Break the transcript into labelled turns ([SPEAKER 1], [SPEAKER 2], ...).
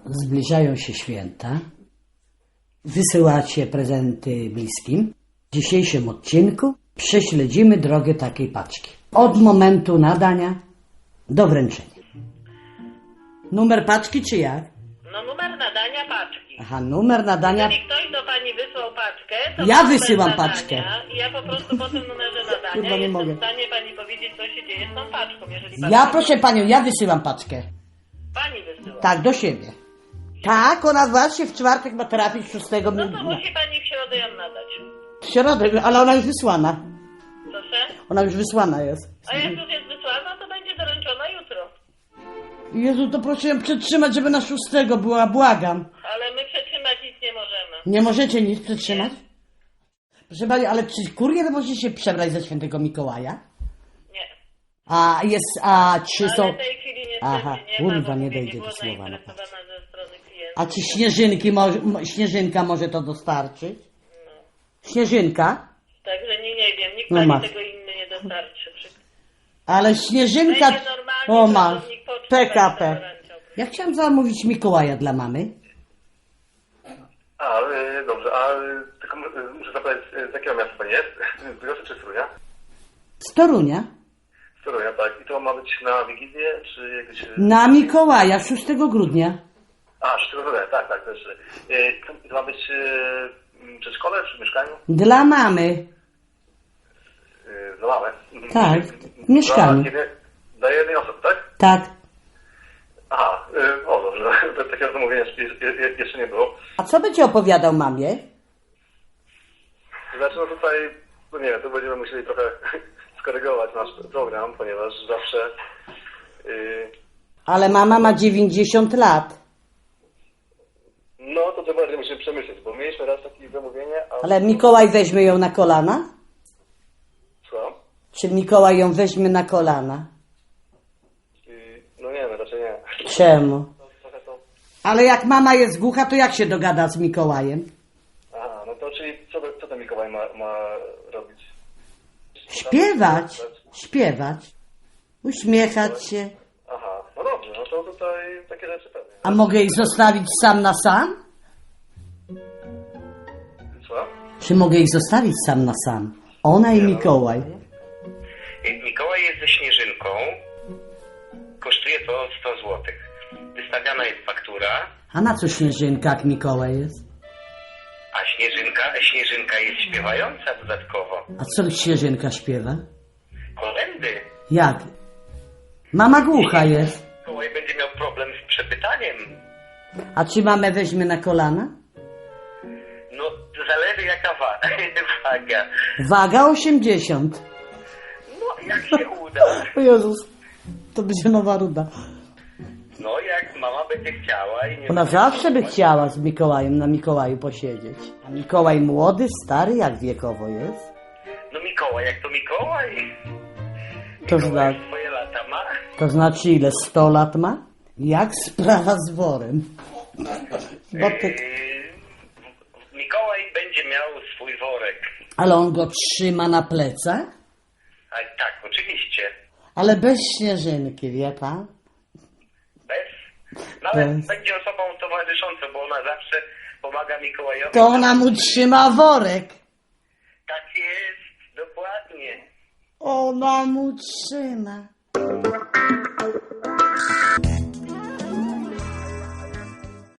[SPEAKER 1] Zbliżają się święta. Wysyłacie prezenty bliskim. W dzisiejszym odcinku prześledzimy drogę takiej paczki. Od momentu nadania do wręczenia. Numer paczki czy jak?
[SPEAKER 2] No numer nadania paczki.
[SPEAKER 1] Aha, numer nadania.
[SPEAKER 2] Jeżeli ktoś do pani wysłał paczkę, to
[SPEAKER 1] Ja
[SPEAKER 2] numer
[SPEAKER 1] wysyłam
[SPEAKER 2] nadania
[SPEAKER 1] paczkę.
[SPEAKER 2] I ja po prostu po tym numerze nadania
[SPEAKER 1] Kurwa, nie
[SPEAKER 2] jestem
[SPEAKER 1] mogę.
[SPEAKER 2] w stanie pani powiedzieć, co się dzieje z tą paczką. Jeżeli pani
[SPEAKER 1] Ja, proszę panią, ja wysyłam paczkę.
[SPEAKER 2] Pani wysyła.
[SPEAKER 1] Tak, do siebie. Tak, ona właśnie w czwartek ma trafić 6.
[SPEAKER 2] No to musi pani w środę ją nadać.
[SPEAKER 1] W środę, ale ona już wysłana.
[SPEAKER 2] Proszę?
[SPEAKER 1] Ona już wysłana jest.
[SPEAKER 2] A jak już jest wysłana, to będzie doręczona jutro.
[SPEAKER 1] Jezu, to proszę ją przetrzymać, żeby na 6 była, błagam.
[SPEAKER 2] Ale my przetrzymać nic nie możemy.
[SPEAKER 1] Nie możecie nic przetrzymać? Proszę pani, ale czy kurier może się przebrać za świętego Mikołaja?
[SPEAKER 2] Nie.
[SPEAKER 1] Czy są...
[SPEAKER 2] Ale w tej chwili niestety
[SPEAKER 1] Aha,
[SPEAKER 2] nie
[SPEAKER 1] kurwa,
[SPEAKER 2] ma, bo
[SPEAKER 1] nie
[SPEAKER 2] mówię,
[SPEAKER 1] dojdzie
[SPEAKER 2] było
[SPEAKER 1] do słowa, no
[SPEAKER 2] zainteresowana ze strony klienta.
[SPEAKER 1] A czy Śnieżynka może to dostarczyć? Śnieżynka?
[SPEAKER 2] Także nie wiem, nikt
[SPEAKER 1] No
[SPEAKER 2] pani
[SPEAKER 1] masz.
[SPEAKER 2] tego inny nie dostarczy.
[SPEAKER 1] Ale Śnieżynka...
[SPEAKER 2] Będzie normalnie
[SPEAKER 1] O ma,
[SPEAKER 2] pracownik poczty
[SPEAKER 1] PKP.
[SPEAKER 2] będzie doręczał.
[SPEAKER 1] Ja chciałam zamówić Mikołaja dla mamy.
[SPEAKER 3] Dobrze, tylko muszę zapytać, z jakiego miasta pani jest? Z Bydgoszczy czy z Torunia?
[SPEAKER 1] Z Torunia.
[SPEAKER 3] Z Torunia, tak. I to ma być na Wigilię, czy jakieś...
[SPEAKER 1] Na Mikołaja, 6 grudnia.
[SPEAKER 3] 6 grudnia, tak, też. To ma być przy szkole, przy mieszkaniu?
[SPEAKER 1] Dla mamy.
[SPEAKER 3] Dla mamy?
[SPEAKER 1] Tak, w mieszkaniu.
[SPEAKER 3] Dla jednej osoby, tak?
[SPEAKER 1] Tak.
[SPEAKER 3] Dobrze. Takiego zamówienia jeszcze nie było.
[SPEAKER 1] A co będzie opowiadał mamie?
[SPEAKER 3] Znaczy, no tutaj, no nie wiem, tu będziemy musieli trochę skorygować nasz program, ponieważ zawsze...
[SPEAKER 1] Ale mama ma 90 lat.
[SPEAKER 3] No, to bardziej musimy przemyśleć, bo mieliśmy raz takie zamówienie,
[SPEAKER 1] Ale Mikołaj weźmie ją na kolana?
[SPEAKER 3] Co?
[SPEAKER 1] Czy Mikołaj ją weźmie na kolana?
[SPEAKER 3] No nie, no raczej nie.
[SPEAKER 1] Czemu?
[SPEAKER 3] Trochę to...
[SPEAKER 1] Ale jak mama jest głucha, to jak się dogada z Mikołajem?
[SPEAKER 3] Aha, no to czyli co ten Mikołaj ma robić?
[SPEAKER 1] Śpiewać, uśmiechać się.
[SPEAKER 3] Aha, no dobrze, no to tutaj takie rzeczy pewnie.
[SPEAKER 1] A mogę ich zostawić sam na sam?
[SPEAKER 3] Co?
[SPEAKER 1] Czy mogę ich zostawić sam na sam? Ona i Mikołaj.
[SPEAKER 4] Mikołaj jest ze Śnieżynką. Kosztuje to 100 zł. Wystawiana jest faktura,
[SPEAKER 1] A na co Śnieżynka, jak Mikołaj jest?
[SPEAKER 4] a Śnieżynka jest śpiewająca dodatkowo.
[SPEAKER 1] A co Śnieżynka śpiewa?
[SPEAKER 4] Kolędy.
[SPEAKER 1] Jak? Mama głucha jest.
[SPEAKER 4] Mikołaj będzie miał problem z przepytaniem.
[SPEAKER 1] A czy mamę weźmie na kolana?
[SPEAKER 4] No, zależy jaka waga.
[SPEAKER 1] Waga 80.
[SPEAKER 4] No, jak się uda.
[SPEAKER 1] O Jezus, to będzie nowa ruda.
[SPEAKER 4] No, jak mama będzie chciała i nie...
[SPEAKER 1] Ona zawsze by chciała z Mikołajem na Mikołaju posiedzieć. A Mikołaj młody, stary, jak wiekowo jest?
[SPEAKER 4] No Mikołaj, jak to Mikołaj?
[SPEAKER 1] To
[SPEAKER 4] Mikołaj
[SPEAKER 1] znaczy,
[SPEAKER 4] swoje lata ma.
[SPEAKER 1] to znaczy ile? 100 lat ma? Jak sprawa z worem? Bo ty...
[SPEAKER 4] Mikołaj będzie miał swój worek.
[SPEAKER 1] Ale on go trzyma na plecach?
[SPEAKER 4] A, tak, oczywiście.
[SPEAKER 1] Ale bez Śnieżynki, wie pan?
[SPEAKER 4] Bez? No ale
[SPEAKER 1] Bez.
[SPEAKER 4] będzie osobą towarzyszącą, bo ona zawsze pomaga Mikołajowi.
[SPEAKER 1] To ona mu trzyma worek.
[SPEAKER 4] Tak jest, dokładnie.
[SPEAKER 1] Ona mu trzyma.